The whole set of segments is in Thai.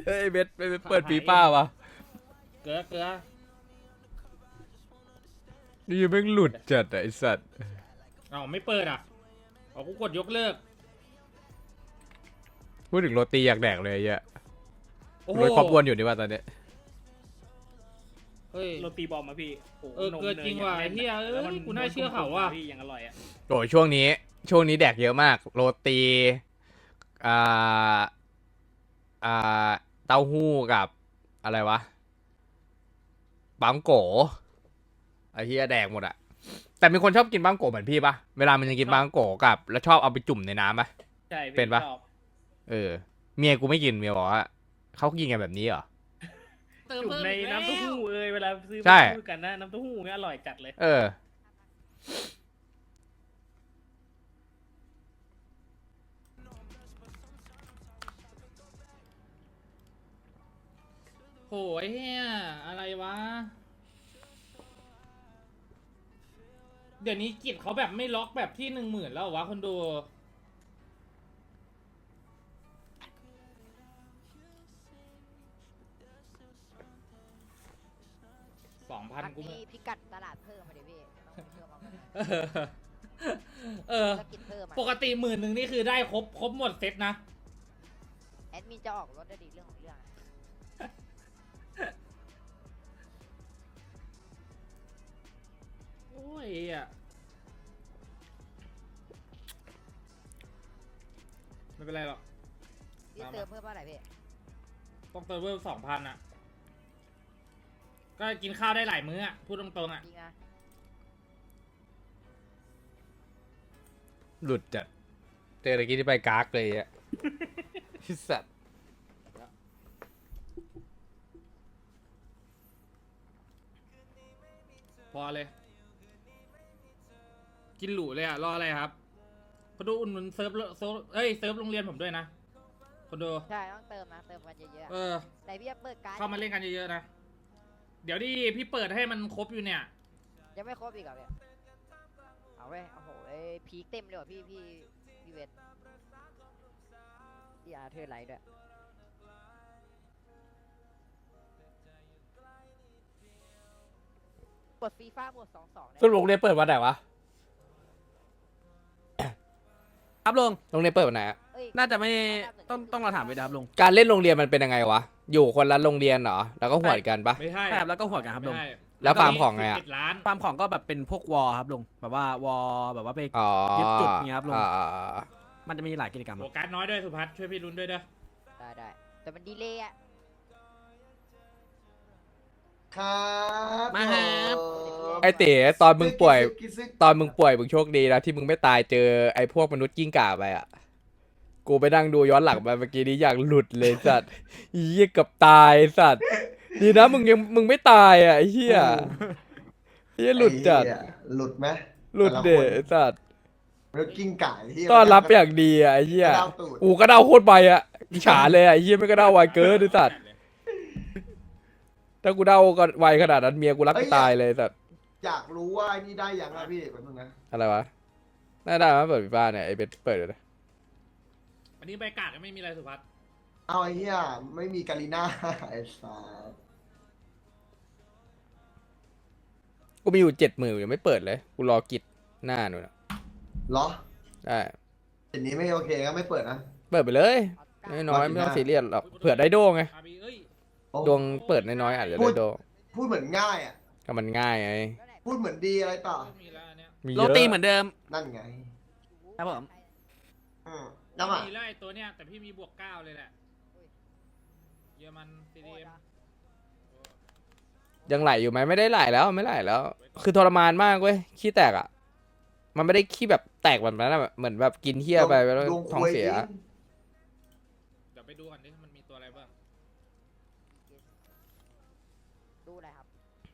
เฮ้ยเบสไปเปิดฟีฟ่าวะเกลือเกลือนี่ยังไม่งหลุดจัดอะไอสัตว์เอาไม่เปิดอ่ะเอากูกดยกเลิกพูดถึงโรตีอยากแดกเลยไอ้เหี้ยโอ้โหรถครอบอ้วนอยู่นี่ว่าตอนเนี้ยเฮ้ยโรตีบอมมาพี่โอ้โหเกินจริงว่ะนมไอ้เหี้ยแล้วมันกูน่าเชื่อเขาว่ะพี่ยังอร่อยอ่ะโอ้ยช่วงนี้แดกเยอะมากโรตีอ่าอ่าเต้าหู้กับอะไรวะบังโกไอ้เหี้ยแดกหมดอะแต่มีคนชอบกินบังโกเหมือนพี่ปะเวลามันจะกินบังโกกับแล้วชอบเอาไปจุ่มในน้ำปะใช่พี่เป็นปะชอบเออเมียกูไม่กินเมียบอกว่าเขากินกันแบบนี้เหรอจุ่มในน้ำเต้าหู้เลยเวลาซื้อใช่มาซื้อกันนะน้ำเต้าหู้เนี่ยอร่อยจัดเลยเออโหไอ้เหี้ยอะไรวะเดี๋ยวนี้กิจเขาแบบไม่ล็อกแบบที่10,000แล้วเหรอวะคนดู2,000กูมีไม่พิกัดตลาดเพิ่มมาดิพี่ต้องเพิ่มมาเออธุรกิจเพิ่มมาปกติ10,000นี่คือได้ครบหมดเซ็ตนะแอดมินจะออกรถได้ดีเรื่องของเรื่องอะโอ้ยอ่ะไม่เป็นไรหรอกพี่เติมเพิ่มเท่าไหร่พี่ต้องเติมเพิ่ม2,000อ่ะ ก็กินข้าวได้หลายมื้ออ่ะ พูดตรงๆอ่ะจริงนะหลุดจัดเจอตะกี้ที่ไปกากเลยอะที่สัตว์พอเลย กินหรูเลยอ่ะ รออะไรครับคนดูอุ่นหนุนเซิร์ฟเอ้ยเซิร์ฟโรงเรียนผมด้วยนะคนดูใช่ต้องเติมนะเติมกันเยอะๆเออะอแต่พี่จะเปิดการ์ดเข้ามาเล่นกันเยอะๆนะ เดี๋ยวดิพี่เปิดให้มันครบอยู่เนี่ยยังไม่ครบอีกเหรอพี่เอาเว้ยโอ้โหพีคเต็มเลยว่ะพี่เวทพี่อาร์เธอร์ไลท์ด้วยกดฟีฟ่าหมด22นะสรุปโรงเรียนเปิดวันไหนวะครับลุงโรงเรียนเปิดวันไหนอะเอ้ยน่าจะไม่ต้องเราถามไปนะครับลุงการเล่นโรงเรียนมันเป็นยังไงวะ อยู่คนละโรงเรียนเหรอ แล้วก็หวดกันปะไม่ใช่ใช่ครับแล้วก็หัวกันครับลุงไม่ใช่แล้วฟาร์มของไงอะ 11 ล้านฟาร์มของก็แบบเป็นพวกวอลครับลุงแบบว่าวอลแบบว่าไปอ๋อยึดจุดเงี้ยครับลุงอ่ามันจะมีหลายกิจกรรมคโอรับกาสน้อยด้วยสุพัฒน์ช่วยพี่รุนด้วยเด้อได้แต่มันดีเลยอะครับมาครับไอเต๋ตอนมึงป่วยกิซึกตอนมึงป่วยมึงโชคดีนะที่มึงไม่ตายเจอไอพวกมนุษย์กิ้งก่าไปอ่ะ กูไปนั่งดูย้อนหลังมาเมื่อกี้นี้อยากหลุดเลยสัตว์เหี้ยเกับตายสัตว์ดีนะมึงไม่ตายอ่ะไอ้เหี้ยเหี้ยหลุดจัดไอ้เหี้ยหลุดไหมหลุดเดะไอ้สัตว์แล้วกิ้งก่าที่ต้อนรับอย่างดีอ่ะไอ้เหี้ยกระดาวตูดกูก็เดาโคตรใบอ่ะอิจฉาเลยอ่ะไอ้เหี้ยไม่ก็เดาไวเกินไอ้สัตว์ถ้ากูเดาก็ไวขนาดนั้นเมียกูรักกูตายเลยไอ้สัตว์อยากรู้ว่าไอ้นี่ได้ยังอะพี่แป๊บนึงนะอะไรวะน่าได้มาเปิดฟีฟ่าเนี่ยไอเบสเปิดเลยนะอันนี้ใบกาดก็ไม่มีอะไรสุพัฒน์เอาไอ้เหี้ยไม่มีกาลิน่า ไอ้สัสกูมีอยู่70,000ยังไม่เปิดเลยกูรอกิจหน้าหนูนะเหรอได้เดี๋ยวนี้ไม่โอเคก็ไม่เปิดนะเปิดไปเลยออสการ์น้อยๆไม่ต้องซีเรียสหรอกเผื่อได้โดไงอาบีเอ้ยโอ้ดวงเปิดน้อยๆอาจจะได้โดพูดเหมือนง่ายอ่ะก็มันง่ายไงแล้วไหนพูดเหมือนดีอะไรต่อมีแล้วอันเนี้ยมีโรเยอะตีเหมือนเดิมนั่นไงครับผมแล้วอ่ะมีแล้วไอ้ตัวเนี้ยแต่พี่มีบวก9เลยแหละเยอรมันซีดีโคตเอ็รมอะยังไหลอยู่ไหมไม่ได้ไหลแล้วไม่ไหลแล้ว คือทรมานมากเว้ยขี้แตกอ่ะ มันไม่ได้ขี้แบบแตกแบบนั้นอะเหมือนแบบกินเหี้ยไปแล้วดวงท้องเสียควยจริเดี๋ยวไปดูก่อนดิมันมีตัวอะไรบ้างดูอะไรครับ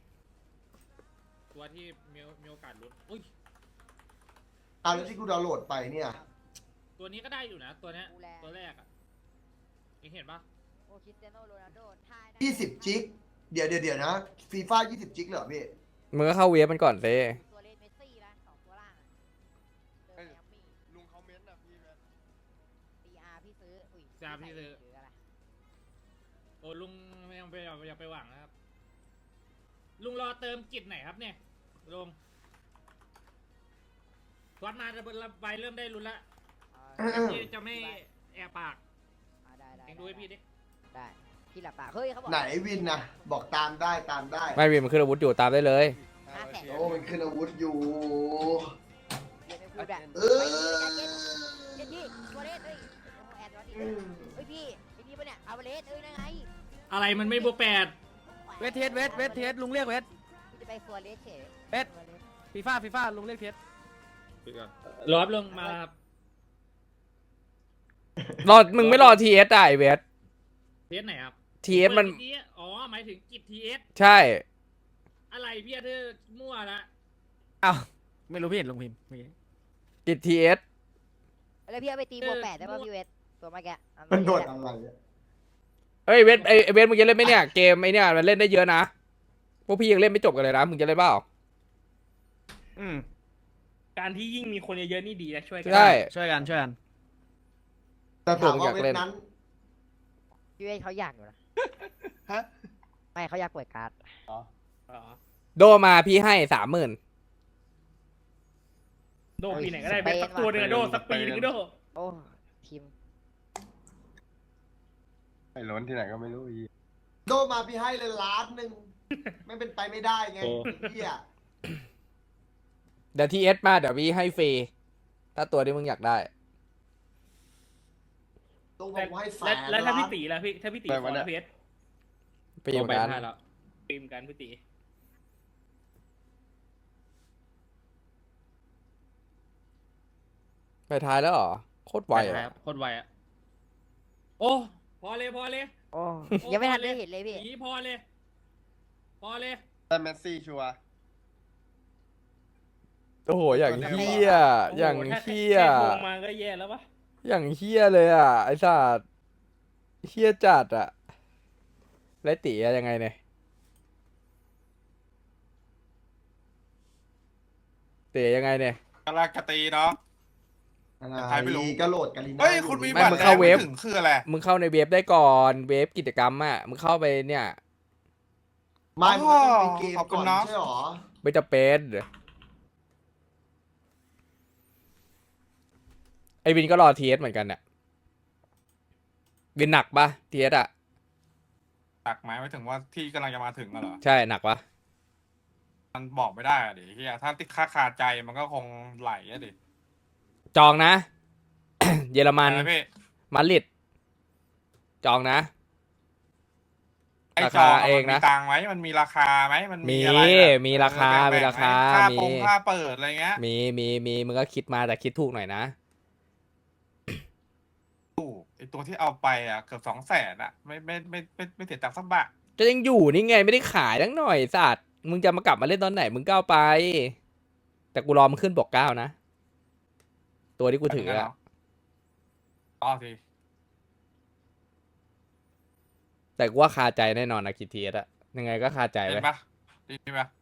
ตัวที่มีโอกาสลุ้นอุ้ยเอาแล้วที่กูดาวน์โหลดไปเนี่ยตัวนี้ก็ได้อยู่นะ ตัวเนี้ยดูแลตัวแรกอ่ะเองเห็นปะโอคริสเตียโนโรนัลโดทายนะ 20จิกเดี๋ยวนะฟีฟ่า20จิกเหรอพี่มึงก็เข้าเวฟมันก่อนเซ่ตัวเลนเมสซี่นะสองตัวล่างอะเจอไมอามี่ลุงคอมเมนต์นะพี่ CR พี่ซื้ออุ้ย CR พี่ซื้อหรืออะไรโอ้ลุงไม่ต้องไปอย่าไปหวังนะครับ ลุงรอเติมกิจไหนครับเนี่ยลุงทวัดมาใบเริ่มได้รุนละพี่จะไม่แอบปากได้ได้เองดูให้พี่ดิได้พี่หลับตาเฮ้ยเขาบอกไหนวินนะบอกตามได้ตามได้ไม่มีมันขึ้นอาวุธอยู่ตามได้เลย 500,000 โอ้มันขึ้นอาวุธอยู่เย็นไม่พูดอะเออเย็นพี่ตัวเลสเฮ้ยแอนตัวนี้เฮ้ยพี่ไอ้นี่ปะเนี่ยเอาเลสเอ้ยนั่นไงอะไรมันไม่บวก8 เวทเทสลุงเรียกเวทพี่จะไปฟัวเลสเฉยเวท ฟีฟ่าลุงเรียกเทสรอบลงมาครับมึงไม่รอทีเอสได้เวทเทสไหนครับทีเอสมันอ๋อหมายถึงกิจทีเอสใช่อะไรพี่เธอมั่วละอ้าวไม่รู้พี่เห็นลุงพิมพ์เมื่อกี้กิจทีเอสแล้วพี่เอาไปตีบวก8ได้ป่ะพี่เวทตัวเมื่อกี้มันโดดอะไรอะเอ้ยเวทไอเวทมึงจะเล่นไหมเนี่ยเกมไอเนี่ยมันเล่นได้เยอะนะพวกพี่ยังเล่นไม่จบกันเลยนะมึงจะเล่นเปล่าการที่ยิ่งมีคนเยอะๆนี่ดีนะช่วยกัใช่ช่วยกันแต่ถามว่าอยากเวเล่ทนนั้นพี่เวทเขาอยากอยู่นะฮะไม่เขาอยากเปิดการ์ดอ๋อโดมาพี่ให้30,000 โดปีไหนก็ได้เป็นสักตัวหนึ่งอะโดสักปีหนึงก็โดโอ้ทีมไอ้ล้นที่ไหนก็ไม่รู้อีโดมาพี่ให้เลย1,000,000ไม่เป็นไปไม่ได้ไงพี่อะเดี๋ยวทีเอสมาเดี๋ยวพี่ให้ฟรีถ้าตัวที่มึงอยากได้ต้องบอกว่าให้แสนแล้วถ้าล้าพี่นตีล่ะพี่ถ้าพี่ตีขอแล้วเพชรฟรีเหมือนกันตีมกันพี่ตีไปท้ายแล้วเหรอโคตรไวอะโคตรไวอะโอ้พอเลยโอ้ยังไม่ทันได้เห็นเลยพี่หนีพอเลยแต่เมสซี่ชัวร์โอ้โหอย่างเฮี้ยอย่างเฮี้ยแค่ลงมาก็แย่แล้วปะอย่างเฮี้ยเลยอ่ะไอ้สัตว์เฮี้ยจัดอ่ะไรตีอะยังไงเนี่ยเตะยังไงเนี่ยกำลังกตีเนาะอะไรใครไม่รู้ก็โหลดกาลิน่าเฮ้ยอยู่คุณมีไม่บัตรมึงแดเข้าง เว็ไม่บถึงคืออะไรมึงเข้าในเว็บได้ก่อนเว็บกิจกรรมอ่ะมึงเข้าไปเนี่ยไม่มันก็ต้องมีเกมขอบคุก่อณนเนาะใช่หรอไม่จะเป็นไอวินก็รอทีเอสเหมือนกันเนี่ยวินหนักปะทีเอสอ่ะตักไหมไม่ถึงว่าที่กำลังจะมาถึงอะเหรอใช่หนักปะมันบอกไม่ได้อะดิเฮียถ้าติดค่าคาใจมันก็คงไหลอะดิจองนะ เยอรมันอะไรพี่มาดริดจองนะไอ้ราจคาองเองนะมันมีตังค์ไหมมันมีราคาไหมมันมีอะไรอะมีราคาแบ่งๆมีราคาไหค่ามีปงค่าเปิดอะไรเงี้ยมีมึงก็คิดมาแต่คิดถูกหน่อยนะไอตัวที่เอาไปอ่ะเกือบ200,000อะไม่เสียตังค์สักบาทก็ยังอยู่นี่ไงไม่ได้ขายทั้งหน่อยสัตว์มึงจะมากลับมาเล่นตอนไหนมึงก็เอาไป แต่กูรอมันขึ้นบอก9นะ ตัวที่กูถืออะต่อทีแต่กูว่าคาใจแน่นอนนะคิดทีเอสอะยังไงก็คาใจเห็ไว้นปะดีปะ